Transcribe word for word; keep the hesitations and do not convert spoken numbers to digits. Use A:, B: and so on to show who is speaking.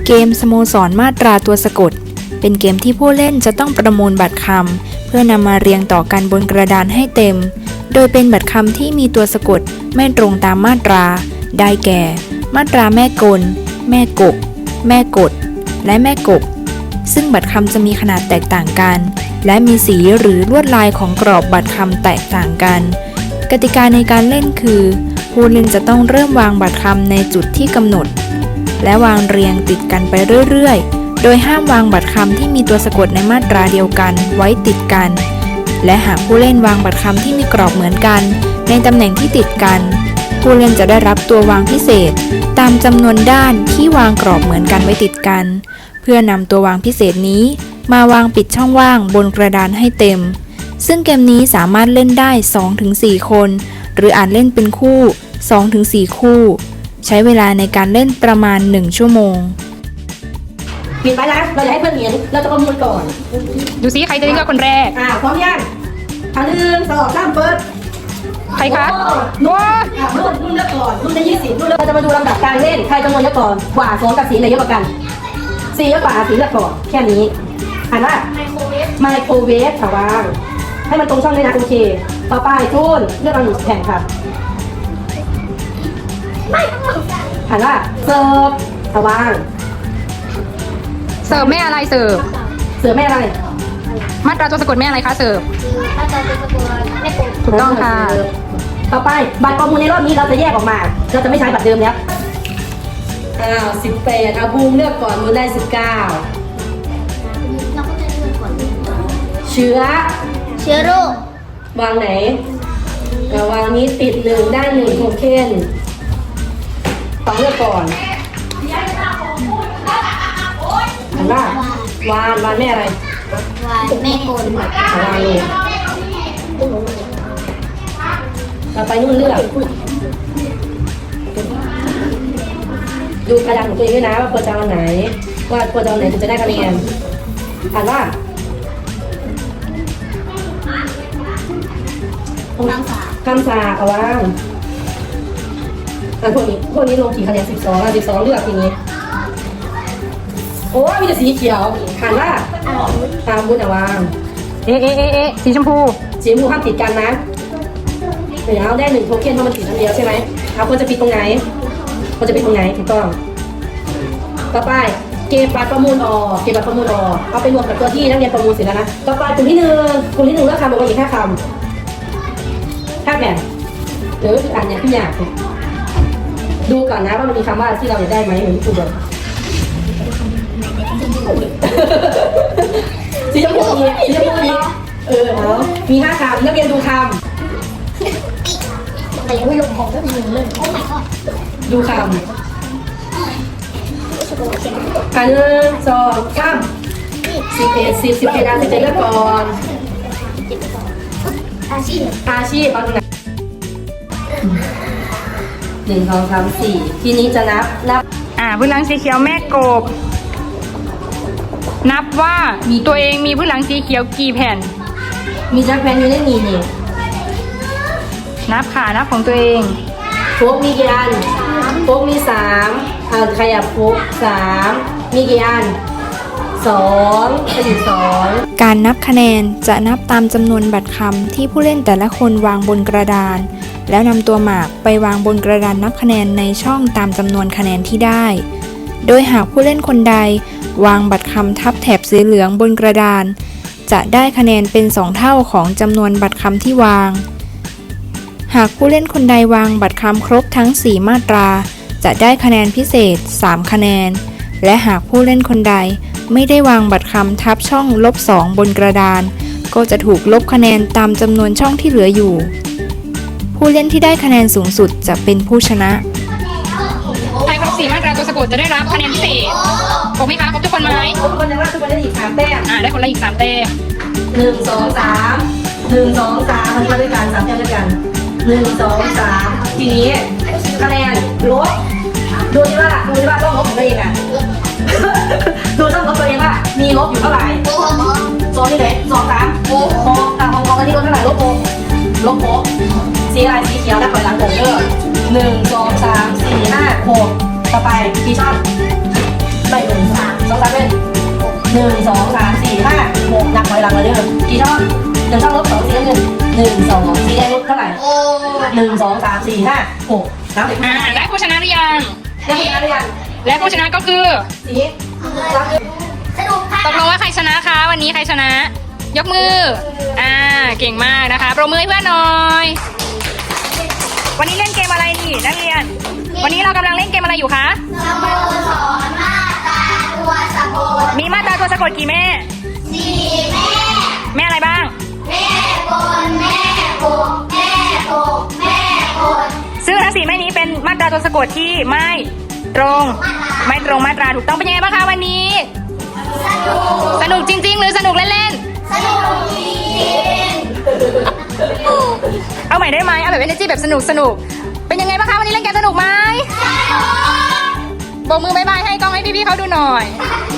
A: เกมสโมสรมาตราตัวสะกดเป็นเกมที่ผู้เล่นจะต้องประมวลบัตรคำเพื่อนำมาเรียงต่อกันบนกระดานให้เต็มโดยเป็นบัตรคำที่มีตัวสะกดไม่ตรงตามมาตราได้แก่ มาตราแม่กลแม่กบแม่กดและแม่กบซึ่งบัตรคำจะมีขนาดแตกต่างกันและมีสีหรือลวดลายของกรอบบัตรคำแตกต่างกันกติกาในการเล่นคือผู้เล่นจะต้องเริ่มวางบัตรคำในจุดที่กำหนดและวางเรียงติดกันไปเรื่อยๆโดยห้ามวางบัตรคำที่มีตัวสะกดในมาตราเดียวกันไว้ติดกันและหากผู้เล่นวางบัตรคำที่มีกรอบเหมือนกันในตำแหน่งที่ติดกันผู้เล่นจะได้รับตัววางพิเศษตามจำนวนด้านที่วางกรอบเหมือนกันไว้ติดกันเพื่อนำตัววางพิเศษนี้มาวางปิดช่องว่างบนกระดานให้เต็มซึ่งเกมนี้สามารถเล่นได้ สองถึงสี่ คนหรืออาจเล่นเป็นคู่ สองถึงสี่ คู่ใช้เวลาในการเล่นประมาณหนึ่งชั่วโมง
B: ปิดไว้นะเราจะให้เพื่อนเห็นเราจะประมูลก่อน
C: ดูซิใครจะได้เลือกคนแรก
B: อ่าพร้อมยังอ่าหนึ่งสองสามเปิด
C: ใครคะ
B: ว้ารุ่นรุ่นเลือกก่อนรุ่นได้ยี่สิบรุ่นเราจะมาดูลำดับการเล่นใครจำนวนเยอะก่อนกว่าสองกับสีไหนเยอะกว่ากันสีเยอะกว่าสีเลือกก่อนแค่นี้อ่านว่าไมโครเวฟไมโครเวฟค่ะวางให้มันตรงช่องด้วยนะโอเคต่อไปทุนเลือกเอาหนึ่งแผ่นครับอ่านว่าเสิร์ฟค่ะวาง
C: เสิร์ฟแม่อะไรเสิร์ฟ
B: เสิร์ฟแม่อะไร
C: มาตราตัวสะกดแม่อะไรคะเสิร์ฟ
D: มาตราตัวสะกดแม่กบ
C: ถูกต้องค่ะ
B: ต่อไปบัตรประมูลในรอบนี้เราจะแยกออกมาเราจะไม่ใช้บัตรเดิมแล้วอ้าวสิบแปดอาบูมเลือกก่อนมูลได้สิบเก้า
D: เราก็จะเลือกก่อน
B: เชื้อ
D: เชื้อโรค
B: วางไหนวางนี้ติดหนึ่งได้หนึ่งโทเค็นต้องเลือกก่อนเห็นป่ะวานวานแม่อะไร
D: วานแม่กล
B: วานเลยเราไปนู่นเลือกดูกระดานของตัวเองด้วยนะว่าควรจะเอาไหนว่าควรจะเอาไหนถึงจะได้คะแนนอ่านว่า
D: คำสา
B: คำสาเอาว่างอ่านพวกนี้พวกนี้ลงกี่คะแนนสิบสองอ่ะสิบสองเลือกทีนี้โอ้มีแต่สีเขียวอ่านว่าตามบุญเอาว่าง
C: เอเอเอเอสีชมพู
B: สีชมพูห้ามติดกันนะเดี๋ยวเอาได้หนึ่งโทเค็นเพราะมันติดอันเดียวใช่ไหมเอาควรจะปิดตรงไหนควรจะปิดตรงไหนถูกต้องต่อไปเก็บบัตรประมูลออกเก็บบัตรประมูลออกเอาไปรวมกับตัวที่นักเรียนประมูลเสร็จแล้วนะต่อไปกลุ่มที่หนึ่งกลุ่มที่หนึ่งเลือกคำบอกว่าอีกห้าคำห้าแผ่นหรืออ่านอย่างที่อยากดูก่อนนะว่ามันมีคำว่าที่เราอยากได้ไหมเหมือนที่ครูบอกสีชมพูสีชมพูเออเอามีห้าคำนักเรียนดูคำ
D: แต่ยังไม่ลงของก็มีหนึ่งเลยโอ้ my god
B: ดูคำอันหนึ่งสองสามสิบเอ็ดสิบสิบเอ็ดอันสิบเอ็ดเลือกก่อน
D: อาชีพ
B: อาชีพเอาตรงไหนหนึ่งสองสามสี่ทีนี้จะนับนับ
C: อ่าพื้นหลังสีเขียวแม่กบนับว่ามีตัวเองมีพื้นหลังสีเขียวกี่แผ่น
B: มีจักรแผ่นอยู่ในนี้นี่
C: นับค่ะนับของตัวเอง
B: โฟกมีกี่อันโฟกมีสามอ่าขยับโฟกสามมีกี่อันสองเป็นสอง
A: การนับคะแนนจะนับตามจำนวนบัตรคำที่ผู้เล่นแต่ละคนวางบนกระดานแล้วนำตัวหมากไปวางบนกระดานนับคะแนนในช่องตามจำนวนคะแนนที่ได้โดยหากผู้เล่นคนใดวางบัตรคำทับแถบสีเหลืองบนกระดานจะได้คะแนนเป็นสองเท่าของจำนวนบัตรคำที่วางหากผู้เล่นคนใดวางบัตรคำครบทั้งสี่มาตราจะได้คะแนนพิเศษสามคะแนนและหากผู้เล่นคนใดไม่ได้วางบัตรคำทับช่องลบสองบนกระดานก็จะถูกลบคะแนนตามจำนวนช่องที่เหลืออยู่ผู้เล่นที่ได้คะแนนสูงสุดจะเป็นผู้ชนะ
C: ใครครบสี่มาตราตัวสะกดจะได้รับคะแนนพิเศษครบไหมคะครบทุกคนไหม
B: ครบคนละทุกคนได้อีกสามแต้ม
C: อ่าได้คนละอีกสามแต้ม
B: หนึ่งสองสามหนึ่งสองสามมันก็ด้วยกันสามแต้มด้วยกันหนึ่งสองสามทีนี้คะแนนลบดูที่ว่าดูที่ว่าต้องลบของตัวเองอ่ะดูต้องลบตัวเองว่ามีลบอยู่เท่าไหร่สองที่ไหนสองสามโอ้โหแต่ของของอันนี้ลบเท่าไหร่ลบโอลบโอสีอะไรสีเขียวแล้วถอยหลังโอเยอะหนึ่งสองสามสี่ห้าหกต่อไปกี่ช่องได้หนึ่งสองสีแดงลบเท่าไหร่หนึ่งสองสามสี่ห้าหกนับเลย
C: อ่าได้ผู้ชนะหรือยัง
B: ได้ผู้ชนะหรือยัง
C: และผู้ชนะก็คือ
B: สีรับเลย
D: สนุกค่ะ
C: ตกลงว่าใครชนะคะ วันนี้ใครชนะ ยกมือ อ่า เก่งมากนะคะปรบมือให้เพื่อนหน่อย วันนี้เล่นเกมอะไรนี่นักเรียน วันนี้เรากำลังเล่นเกมอะไรอยู่คะ
D: สโมสรมาตราตัวสะกด
C: มีมาตราตัวสะกดกี่แม่
D: สี่แม่
C: แม่อะไรบ้าง
D: แม่กลแม่กบแม่กบแม่กล
C: ซึ่งทั้งสี่แม่นี้เป็นมาตราตัวสะกดที่ไม่ตรง ไม่ตรงมาตราถูกต้องเป็นยังไงบ้างคะวันนี้
D: สนุก
C: สนุกจริง ๆ หรือสนุกเล่น
D: สนุกจริง
C: ๆ เอาใหม่ได้ไหมเอาแบบ energy แบบสนุกสนุกเป็นยังไงบ้างคะวันนี้เล่นเกมสนุกไหมโบกมือบายบายให้กล้องให้พี่ๆเขาดูหน่อย
D: ส